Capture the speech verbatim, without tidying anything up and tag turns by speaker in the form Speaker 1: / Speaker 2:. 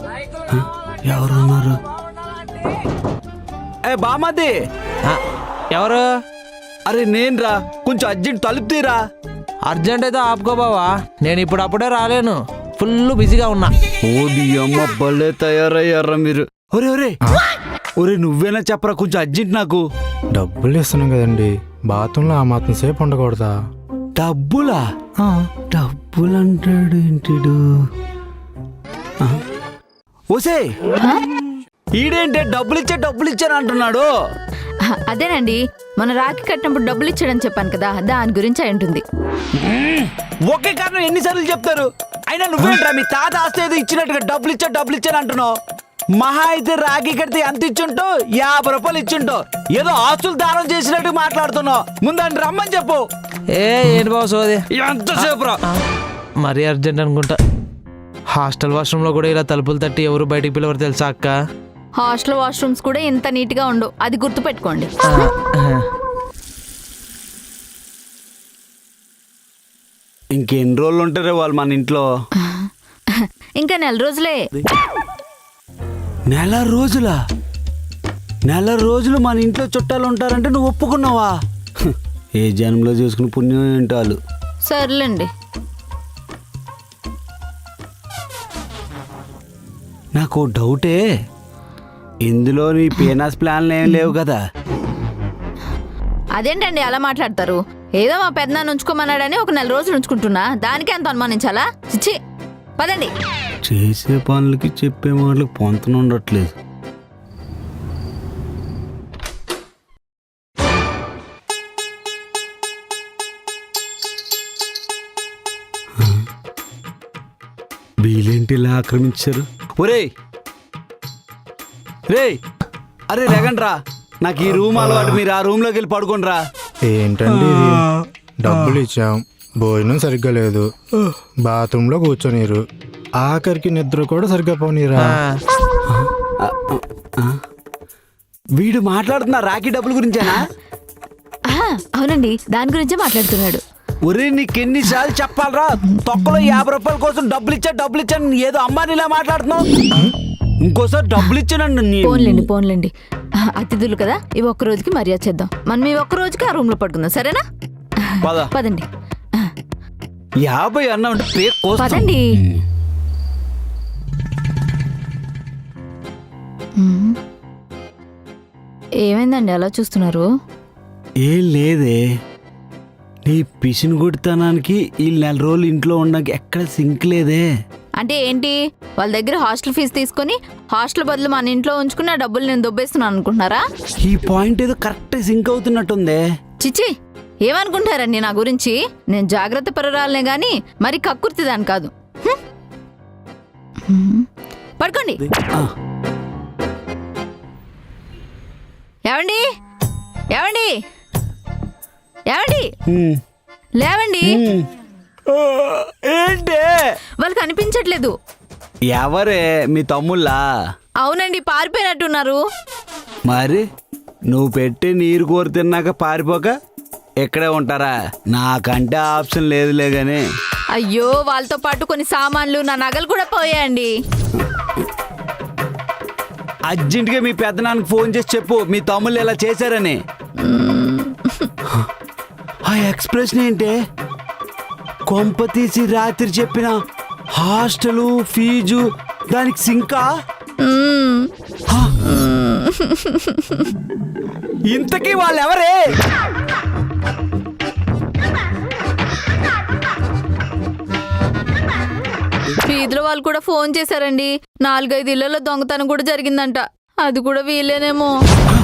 Speaker 1: ఎవరున్నారు? ఏ బామది,
Speaker 2: ఎవరు?
Speaker 1: అరే నేను రా, కొంచెం అర్జెంట్ తలుపు తీరా.
Speaker 2: అర్జెంట్ అయితే ఆపుకో బావా, నేను ఇప్పుడు అప్పుడే రాలేను, ఫుల్ బిజీగా ఉన్నా.
Speaker 1: ఓది అమ్మ భలే తయారయ్యారా మీరు. ఒరే ఒరే ఒరే నువ్వేనా చెప్పరా, కొంచెం అర్జెంట్ నాకు.
Speaker 3: డబ్బులు ఇస్తున్నాం కదండి, బాత్రూంలో ఆ మాత్రం సేపు ఉండకూడదా?
Speaker 1: డబ్బులా? డబ్బులు అంటాడు ఏంటిడు? ఓసే ఈడేంటే డబ్బులు ఇచ్చే డబ్బులు ఇచ్చాను అంటున్నాడు.
Speaker 4: అదేనండి, మన రాఖీ కట్టినప్పుడు డబ్బులు ఇచ్చాడని చెప్పాను కదా, దాని గురించి అయి ఉంటుంది.
Speaker 1: ఒకే కారణం ఎన్నిసార్లు చెప్తారు? అయినా నువ్వేంట్రా మీ తాత ఆస్తి ఏదో ఇచ్చినట్టుగా డబ్బులు ఇచ్చా డబ్బులు ఇచ్చాను అంటున్నావు. మహా అయితే రాఖీ కడితే ఎంత ఇచ్చుంటో యాభై రూపాయలు ఇచ్చుంటో, ఏదో ఆస్తులు దానం చేసినట్టు మాట్లాడుతున్నావు. ముందని రమ్మని చెప్పు.
Speaker 2: ఏ ఏంటి బావ సోది,
Speaker 1: ఎంతసేపు రా?
Speaker 2: మరీ అర్జెంట్ అనుకుంటా. హాస్టల్ వాష్రూమ్ లో కూడా ఇలా తలుపులు తట్టి ఎవరు బయటికి పిలవరు తెలుసా అక్క?
Speaker 4: హాస్టల్ వాష్రూమ్స్ కూడా ఇంత నీట్ గా ఉండవు, అది గుర్తు పెట్టుకోండి.
Speaker 1: ఇంకెన్ని రోజులు ఉంటారే వాళ్ళు మన ఇంట్లో?
Speaker 4: ఇంకా నెల రోజులే.
Speaker 1: నెల రోజులా? నెల రోజులు మన ఇంట్లో చుట్టాలు ఉంటారంటే నువ్వు ఒప్పుకున్నావా? ఏ జన్మలో చేసుకుని పుణ్యం ఏంటాలు.
Speaker 4: సర్లేండి.
Speaker 1: నాకు డౌటే, ఇందులో నీ పీనాస్ ప్లాన్లు ఏం లేవు కదా?
Speaker 4: అదేంటండి అలా మాట్లాడతారు? ఏదో మా పెద్దనాన్న ఉంచుకోమన్నాడని ఒక నెల రోజులు ఉంచుకుంటున్నా, దానికే అంత అనుమానించాలా? చిచ్చి, పదండి.
Speaker 1: చేసే పనులకి చెప్పే మాటలకు పొంతన ఉండట్లేదు. వీళ్ళేంటి ఇలా ఆక్రమించారు? ఒరేయ్ రే, అరే రేగండ్రా, నాకు ఈ రూమ్ అలవాటు, మీరు ఆ రూమ్ లోకి వెళ్ళి పడుకోండి రా.
Speaker 3: ఏంటండి ఇది? డబ్బులు ఇచ్చాం, భోజనం సరిగ్గా లేదు, బాత్రూమ్ లో కూర్చోనీరు, ఆఖరికి నిద్ర కూడా సరిగ్గా పోనీరా.
Speaker 1: వీడు మాట్లాడుతున్నా రాఖీ డబ్బుల గురించేనా?
Speaker 4: అవునండి, దాని గురించే మాట్లాడుతున్నాడు.
Speaker 1: ఒరే నీకెన్నిసార్లు చెప్పాలరా, తొక్కలో యాభై రూపాయల కోసం డబ్బులు ఇచ్చా డబ్బులు ఇచ్చాను ఏదో అమ్మాని ఇలా మాట్లాడుతున్నావు. ఇంకోసారి డబ్బులు ఇచ్చానండి.
Speaker 4: పోన్లేండి పోన్లేండి, అతిథులు కదా, ఇవి ఒక్క రోజుకి మర్యాద చేద్దాం. మనం ఈ ఒక్క రోజుకి ఆ రూమ్ లో పడుకుందాం, సరేనా? పదండి.
Speaker 1: యాభై అన్నా ఉంటే
Speaker 4: పదండి. ఏమైందండి అలా చూస్తున్నారు?
Speaker 1: ఏం లేదే, నీ పిసిని కొడుతానానికి ఈ నెల రోజులు ఇంట్లో ఉండడానికి ఎక్కడ సింక్ లేదే.
Speaker 4: అంటే ఏంటి, వాళ్ళ దగ్గర హాస్టల్ ఫీజు తీసుకొని హాస్టల్ బదులు మన ఇంట్లో ఉంచుకుని ఆ డబ్బులు నేను దొబ్బేస్తున్నాను అనుకుంటున్నారా?
Speaker 1: ఈ పాయింట్ ఏదో కరెక్ట్ సింక్ అవుతున్నట్టుందే.
Speaker 4: చిచ్చి, ఏమనుకుంటారండి నా గురించి? నేను జాగ్రత్త పరురాలనే గాని మరి కక్కుర్తి దాని కాదు. పడుకోండి. ఏవండి ఏవండి ఏవండి లేవండి.
Speaker 1: ఏంటే
Speaker 4: వాళ్ళకి అనిపించట్లేదు.
Speaker 1: ఎవరే, మీ తమ్ముళ్ళా?
Speaker 4: అవునండి, పారిపోయినట్టున్నారు.
Speaker 1: మరి నువ్వు పెట్టి నీరు కోరి తిన్నాక పారిపోక ఇక్కడే ఉంటారా? నాకంటే ఆప్షన్ లేదులే గాని.
Speaker 4: అయ్యో, వాళ్ళతో పాటు కొన్ని సామాన్లు, నా నగలు కూడా పోయాయండి.
Speaker 1: అర్జెంటుగా మీ పెద్దనాన్నకి ఫోన్ చేసి చెప్పు మీ తమ్ముళ్ళు ఇలా చేశారని. ఆ ఎక్స్ప్రెషన్ ఏంటే, కొంప తీసి రాత్రి చెప్పిన హాస్టలు ఫీజు దానికి సింకా? ఇంతకీ వాళ్ళు ఎవరే?
Speaker 4: వీధిలో వాళ్ళు కూడా ఫోన్ చేశారండి. నాలుగైదు ఇళ్లలో దొంగతనం కూడా జరిగిందంట, అది కూడా వీళ్ళేనేమో.